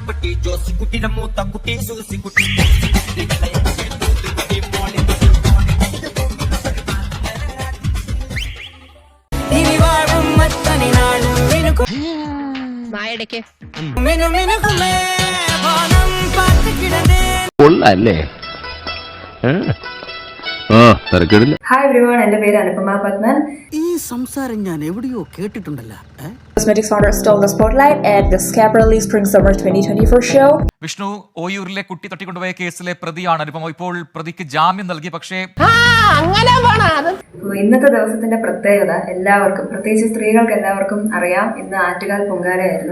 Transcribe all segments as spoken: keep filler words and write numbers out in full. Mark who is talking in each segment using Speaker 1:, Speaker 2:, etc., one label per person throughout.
Speaker 1: കുട്ടി ജോസിക്കുട്ടിയുടെ മൂത്ത കുട്ടി സൂസിക്കുട്ടി
Speaker 2: കൊള്ളല്ലേ?
Speaker 3: ഹായ് എവരിവൺ, എന്റെ പേര് അനുപമ പത്മൻ.
Speaker 4: ഈ സംസാരം ഞാൻ എവിടെയോ കേട്ടിട്ടുണ്ടല്ലോ.
Speaker 3: Cosmetics founder stole the spotlight at the Schiaparelli Spring Summer twenty twenty-four show.
Speaker 5: Vishnu ഓയൂരിലെ കുട്ടി തട്ടിക്കൊണ്ടുപോയ കേസിലെ പ്രതിയാണ് അനുപമ. ഇപ്പോൾ പ്രതിക്ക് ജാമ്യം നൽകി. പക്ഷേ
Speaker 3: ഇന്നത്തെ ദിവസത്തിന്റെ പ്രത്യേകത എല്ലാവർക്കും, പ്രത്യേകിച്ച് സ്ത്രീകൾക്ക് എല്ലാവർക്കും അറിയാം. ഇന്ന് ആറ്റുകാൽ പൊങ്കാലയായിരുന്നു.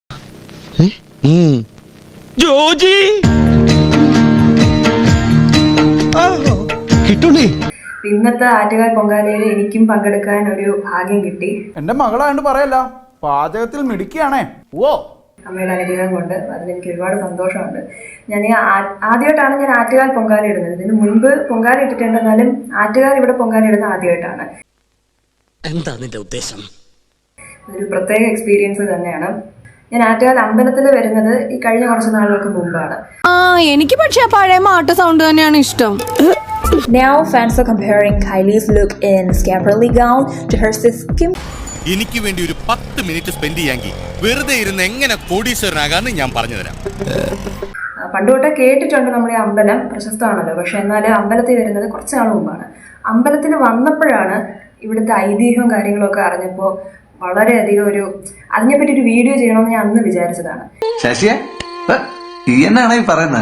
Speaker 3: ഇന്നത്തെ ആറ്റുകാൽ പൊങ്കാലയിൽ എനിക്കും പങ്കെടുക്കാൻ ഒരു ഭാഗ്യം കിട്ടി.
Speaker 6: എന്റെ മകളായോണ്ട് പറയല്ല, പാചകത്തിൽ മിടുക്കിയാണേ. ഓ
Speaker 3: അമ്മയുടെ അനുഗ്രഹം കൊണ്ട് അതിലെനിക്ക് ഒരുപാട് സന്തോഷമുണ്ട്. ഞാൻ ഈ ആദ്യമായിട്ടാണ് ഞാൻ ആറ്റുകാൽ പൊങ്കാല ഇടുന്നത്. ഇതിന് മുൻപ് പൊങ്കാല ഇട്ടിട്ടുണ്ട്, എന്നാലും ആറ്റുകാൽ ഇവിടെ പൊങ്കാല ഇടുന്നത് ആദ്യമായിട്ടാണ്.
Speaker 4: എന്താ നിന്റെ ഉദ്ദേശം?
Speaker 3: ഒരു പ്രത്യേക എക്സ്പീരിയൻസ് തന്നെയാണ്. ഞാൻ ആറ്റുകാൽ അമ്പലത്തിൽ വരുന്നത് ഈ കഴിഞ്ഞ കുറച്ച് നാളുകൾക്ക് മുമ്പാണ്.
Speaker 7: ആ എനിക്ക് പക്ഷേ പഴയ മാട്ട സൗണ്ട് തന്നെയാണ് ഇഷ്ടം.
Speaker 3: Now fans are comparing Kylie's look in Schiaparelli gown to her sis Kim.
Speaker 8: എനിക്ക് വേണ്ടി ഒരു പത്ത് മിനിറ്റ് സ്പെൻഡ് ചെയ്യാമെങ്കിൽ വെറുതെ ഇരുന്ന് എങ്ങനെ കോടീശ്വരനാകാന്ന് ഞാൻ പറഞ്ഞുതരാം.
Speaker 3: പണ്ട് തൊട്ടേ കേട്ടിട്ടുണ്ട് നമ്മൾ ഈ അമ്പലം പ്രശസ്തമാണല്ലോ. പക്ഷെ എന്നാലും അമ്പലത്തിൽ വരുന്നത് കുറച്ച് നാൾ മുമ്പാണ്. അമ്പലത്തിൽ വന്നപ്പോഴാണ് ഇവിടുത്തെ ഐതിഹ്യവും കാര്യങ്ങളൊക്കെ അറിഞ്ഞപ്പോൾ വളരെയധികം ഒരു അതിനെപ്പറ്റി ഒരു വീഡിയോ ചെയ്യണമെന്ന് ഞാൻ അന്ന് വിചാരിച്ചതാണ്.
Speaker 9: ശശിയെ എന്നാണ് ഈ പറയുന്നത്?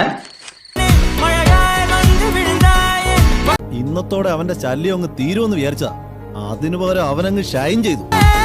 Speaker 10: ഇന്നത്തോടെ അവന്റെ ശല്യം അങ്ങ് തീരുമെന്ന് വിചാരിച്ചാ, അതിനു പകരം അവനങ്ങ് ഷൈൻ ചെയ്തു.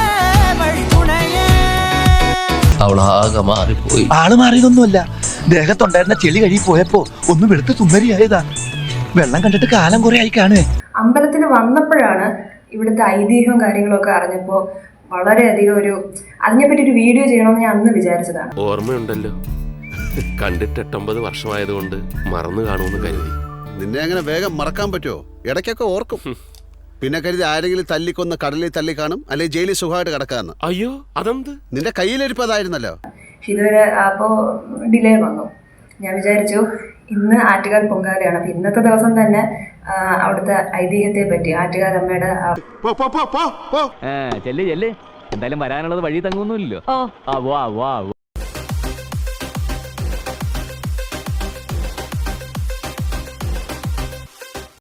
Speaker 2: അവളാകെ മാറിപ്പോയി.
Speaker 11: ആള് മാറിയതൊന്നുമല്ല, ദേഹത്തുണ്ടായിരുന്ന ചെളി കഴുകി പോയപ്പോ ഒന്ന് വെളുത്ത് സുന്ദരിയായതാ. വെള്ളം കണ്ടിട്ട് കാലം കുറെ ആയി കാണുവേ.
Speaker 3: അമ്പലത്തിൽ വന്നപ്പോഴാണ് ഇവിടുത്തെ ഐതിഹ്യവും കാര്യങ്ങളൊക്കെ അറിഞ്ഞപ്പോൾ വളരെയധികം ഒരു അതിനെപ്പറ്റി ഒരു വീഡിയോ ചെയ്യണമെന്ന് ഞാൻ അന്ന് വിചാരിച്ചതാണ്.
Speaker 12: ഓർമ്മയുണ്ടല്ലോ, കണ്ടിട്ട് എട്ടൊമ്പത് വർഷമായതുകൊണ്ട് മറന്നു കാണുമെന്ന് കരുതി.
Speaker 8: നിന്നെ അങ്ങനെ വേഗം മറക്കാൻ പറ്റുമോ? ഇടയ്ക്കൊക്കെ ഓർക്കും. പിന്നെ കരുതി ആരെങ്കിലും തല്ലിക്കൊന്ന് കടലിൽ തല്ലി കാണും, അല്ലെങ്കിൽ ജയിലിൽ സുഖമായിട്ട് കിടക്കാന്ന്.
Speaker 12: അയ്യോ അതെന്ത്?
Speaker 8: നിന്റെ കയ്യിലിരിപ്പതായിരുന്നല്ലോ.
Speaker 3: പക്ഷെ ഇതുവരെ അപ്പോൾ ഡിലേ വന്നു. ഞാൻ വിചാരിച്ചു ഇന്ന് ആറ്റുകാൽ പൊങ്കാലയാണ്, അപ്പൊ ഇന്നത്തെ ദിവസം തന്നെ അവിടുത്തെ ഐതിഹ്യത്തെ പറ്റി, ആറ്റുകാൽ അമ്മയുടെ
Speaker 2: ചെല്ല് ചെല്ല്, എന്തായാലും വരാനുള്ളത് വഴി തങ്ങുന്നില്ലല്ലോ.